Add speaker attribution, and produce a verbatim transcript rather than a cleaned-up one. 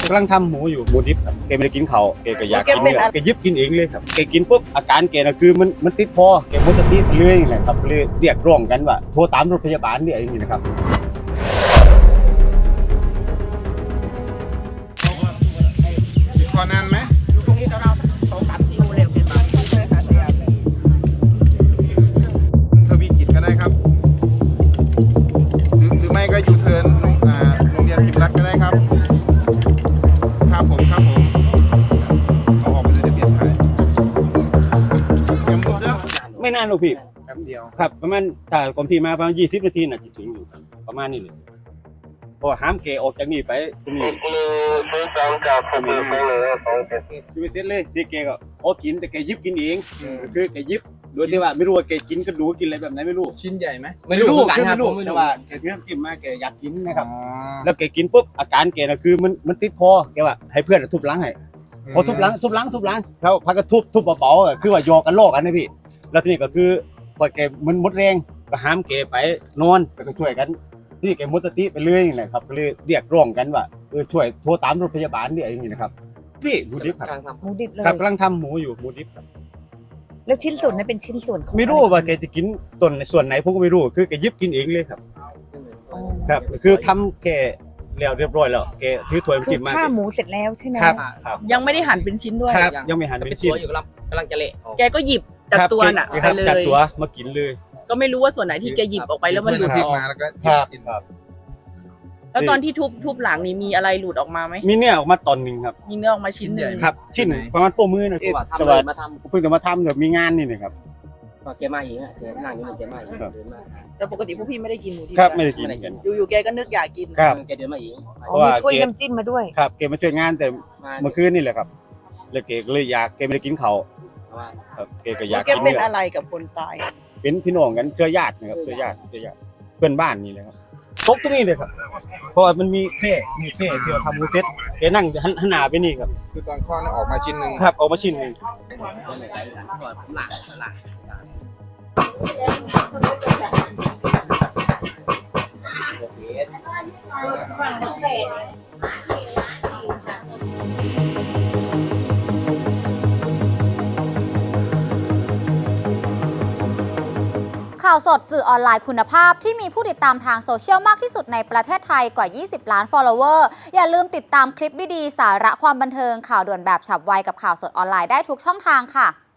Speaker 1: กำลังทำหมูอยู่หมูดิบครับแกไม่ได้กินเขาแกก็อยากกินเนี่ยแกยิบกินเองเลยครับแกกินปุ๊บอาการแกน่ะคือมันมันติดคอแกหมดสติไปเลยนะครับเลยเรียกร้องกันว่าโทรตามรถพยาบาลเนี่ยอย่างนี้นะครับ
Speaker 2: พอนานไหม
Speaker 3: อยู่ตรงนี้เราสองสามกิโลเร็วเป็นแบบนี้เลยค่ะ
Speaker 2: ทวีกิจก็ได้ครับหรือหรือไม่ก็ยูเทิร์นอ่าโรงเรียนพิมพ์รัฐก็ได้ครับครับผมครับผมเอาออกไปเลยจะเปลี่ยนสายยังหมดแล้ว
Speaker 1: ไม่นานหรอกพี่
Speaker 2: แป๊บเดียว
Speaker 1: ครับประมาณถ้าก่อนพี่มาประมาณยี่สิบนาทีน่ะจะถึงอยู่ครับประมาณนี้เลยเพราะห้ามแกออกจากนี่ไปตรงนี้คือไปเสร็จเลยที่แกก็โอ้กินแต่แกยิบกินเองคือแกยิบโดยที่ว่าไม่รู้ว่าแกกินกระดูกกินอะไรแบบไหนไม่รู้
Speaker 2: ชิ้นใหญ่ไหม
Speaker 1: ไม่รู้คือไม่รู้แต่ว่าแกเพื่อนกินมาแกอยากกินนะครับ
Speaker 2: อ๋อ
Speaker 1: แล้วแกกินปุ๊บอาการแกน่ะคือมันมันติดคอแกว่าให้เพื่อนทุบหลังให้พอทุบหลังทุบหลังทุบหลังเขาพักก็ทุบทุบเบาๆอ่ะคือว่าหยอกกันโลกกันนะพี่แล้วทีนี้ก็คือพอแกมันหมดแรงก็ห้ามแกไปนอนก็ต้องช่วยกันที่แกหมดสติไปเรื่อยนะครับก็เลยเรียกร้องกันว่าเออช่วยโทรตามรถพยาบาลเนี่ยอย่างนี้นะครับพี่หมูดิบครับ
Speaker 4: หมูดิบเลย
Speaker 1: ครับกำลังทำหมูอยู่หมูดิบครับ
Speaker 4: แล้วชิ้นส่วนนั้นเป็นชิ้นส่วนของ
Speaker 1: ไม่รู้ว่าแกจะกินต้นในส่วนไหนผมก็ไม่รู้คือแกยิบกินเองเลยครับ
Speaker 4: อ๋อ
Speaker 1: ครับคือทำแกแล้วเรียบร้อยแล้วแกถือถ้วยมา
Speaker 4: คื
Speaker 1: กิ
Speaker 4: อน
Speaker 1: มา
Speaker 4: ฆ่าหมูเสร็จแล้วใช่ไหม
Speaker 1: ครับครับ
Speaker 3: ยังไม่ได้หั่นเป็นชิ้นด้วย
Speaker 1: ครับยังไม่หันเป็นชิ้น
Speaker 5: อยู่กำลังกำลังจะเละออก
Speaker 3: แกก็หยิบจากตัวน่ะ
Speaker 1: ค
Speaker 3: ไป
Speaker 1: รับ
Speaker 3: เล
Speaker 1: จาก
Speaker 3: ย
Speaker 1: ตัวมากินเลย
Speaker 3: ก็ไม่รู้ว่าส่วนไหนที่แกหยิบออกไปแล้วมันหลุด
Speaker 2: พริก
Speaker 3: ออก
Speaker 2: มาแล้วก็
Speaker 1: ครับ
Speaker 2: กิน
Speaker 1: ครับ
Speaker 3: แล้วตอนที่ทุบทุบหลังนี่มีอะไรหลุดออกมาไหม
Speaker 1: มีเนี่ยออกมาตอนหนึ่งครับ
Speaker 3: มีเนื้อออกมาชิ้นหนึ่ง
Speaker 1: ครับ ชิ้นประมาณโป้มือนะ
Speaker 5: เพราะว่าทำ
Speaker 1: แต่
Speaker 5: เล
Speaker 1: ว่าย
Speaker 5: มาท
Speaker 1: เพิ่งจะมาทำเดี๋ยวมีงานนี่นะครับ
Speaker 5: ำก็แกมาอีกอ่ะแกนั่งอยู่มันแกมาอีก
Speaker 1: ครับ
Speaker 5: เดินมา
Speaker 3: แต่ปกติพวกพี่ไม่ได้กินหมูดิบ
Speaker 1: ครับไม่ได้กินกัน
Speaker 3: อยู่ๆแกก็นึกอยากกิน
Speaker 1: ครับ
Speaker 5: แกเดินมาอีก
Speaker 1: เพราะว่า
Speaker 4: มีถ้วย
Speaker 1: เก
Speaker 4: น้ำจิ้มมาด้วย
Speaker 1: ครับเกมาช่วยงานแต่
Speaker 5: มา
Speaker 1: เมื่อคืนนี่แหละครับแล้วเกก็เลยอยากเกไม่ได้กินเขาว
Speaker 5: เพราะว่า
Speaker 1: ครับเกก็อ
Speaker 3: แล้
Speaker 1: ยาว ก
Speaker 3: แก
Speaker 1: กิน
Speaker 3: เป็น
Speaker 1: เนี่ย
Speaker 3: อะไรกับคนตาย
Speaker 1: เป็นพี่น้องกันเครือญาตินะครับเครือญาติเครือญาติเพื่อนบ้านนี่เลยครับตกตรงนี้เลยครับเพราะว่ามันมีเพ่มีเพ่ที่เราทำหมูเซ็ตแกนั่งหันหันหน้าไปนี่ครับ
Speaker 2: คือตอนข้อนี่ออกมาชิ้นหนึ่ง
Speaker 1: ครับออกมาชิ้นหนึง
Speaker 5: เดินไปไกลกันเพราะว่าผมหลังหลัง
Speaker 6: ข่าวสดสื่อออนไลน์คุณภาพที่มีผู้ติดตามทางโซเชียลมากที่สุดในประเทศไทยกว่า ยี่สิบ ล้าน follower อย่าลืมติดตามคลิปดีๆสาระความบันเทิงข่าวด่วนแบบฉับไวกับข่าวสดออนไลน์ได้ทุกช่องทางค่ะ